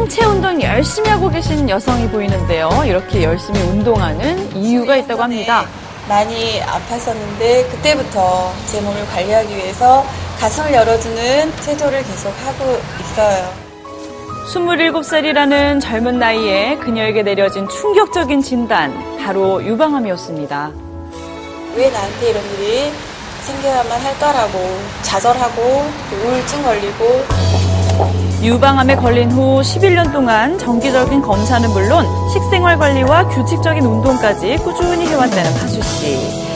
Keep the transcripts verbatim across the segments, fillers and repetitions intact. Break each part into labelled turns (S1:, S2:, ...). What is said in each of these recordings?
S1: 하체 운동 열심히 하고 계신 여성이 보이는데요. 이렇게 열심히 운동하는 이유가 있다고 합니다.
S2: 많이 아팠었는데 그때부터 제 몸을 관리하기 위해서 가슴을 열어주는 체조를 계속 하고 있어요.
S1: 스물일곱 살이라는 젊은 나이에 그녀에게 내려진 충격적인 진단, 바로 유방암이었습니다.
S2: 왜 나한테 이런 일이 생겨야만 할까라고 좌절하고 우울증 걸리고.
S1: 유방암에 걸린 후 십일 년 동안 정기적인 검사는 물론 식생활 관리와 규칙적인 운동까지 꾸준히 해왔다는 하수 씨.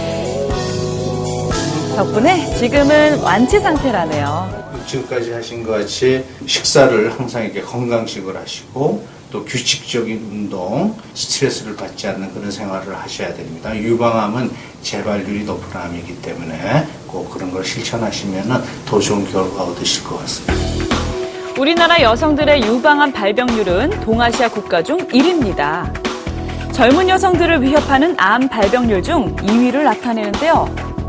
S1: 덕분에 지금은 완치 상태라네요.
S3: 지금까지 하신 것 같이 식사를 항상 이렇게 건강식을 하시고 또 규칙적인 운동, 스트레스를 받지 않는 그런 생활을 하셔야 됩니다. 유방암은 재발률이 높은 암이기 때문에 꼭 그런 걸 실천하시면 더 좋은 결과 얻으실 것 같습니다.
S1: 우리나라 여성들의 유방암 발병률은 동아시아 국가 중 일 위입니다. 젊은 여성들을 위협하는 암 발병률 중 이 위를 나타내는데요.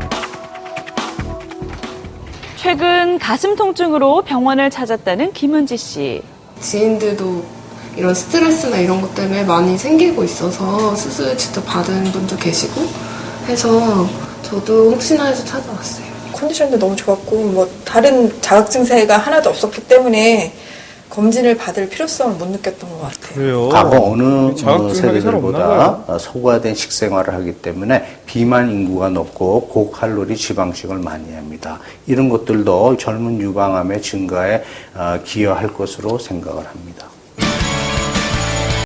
S1: 최근 가슴 통증으로 병원을 찾았다는 김은지 씨.
S4: 지인들도 이런 스트레스나 이런 것 때문에 많이 생기고 있어서 수술 직접 받은 분도 계시고 해서 저도 혹시나 해서 찾아왔어요.
S2: 컨디션도 너무 좋았고 뭐 다른 자각 증세가 하나도 없었기 때문에 검진을 받을 필요성을 못 느꼈던 것 같아요.
S5: 그래요?
S3: 과거 어느
S5: 자각 증상이 잘 없나
S3: 세대들보다
S5: 봐요.
S3: 소과된 식생활을 하기 때문에 비만 인구가 높고 고칼로리 지방식을 많이 합니다. 이런 것들도 젊은 유방암의 증가에 기여할 것으로 생각을 합니다.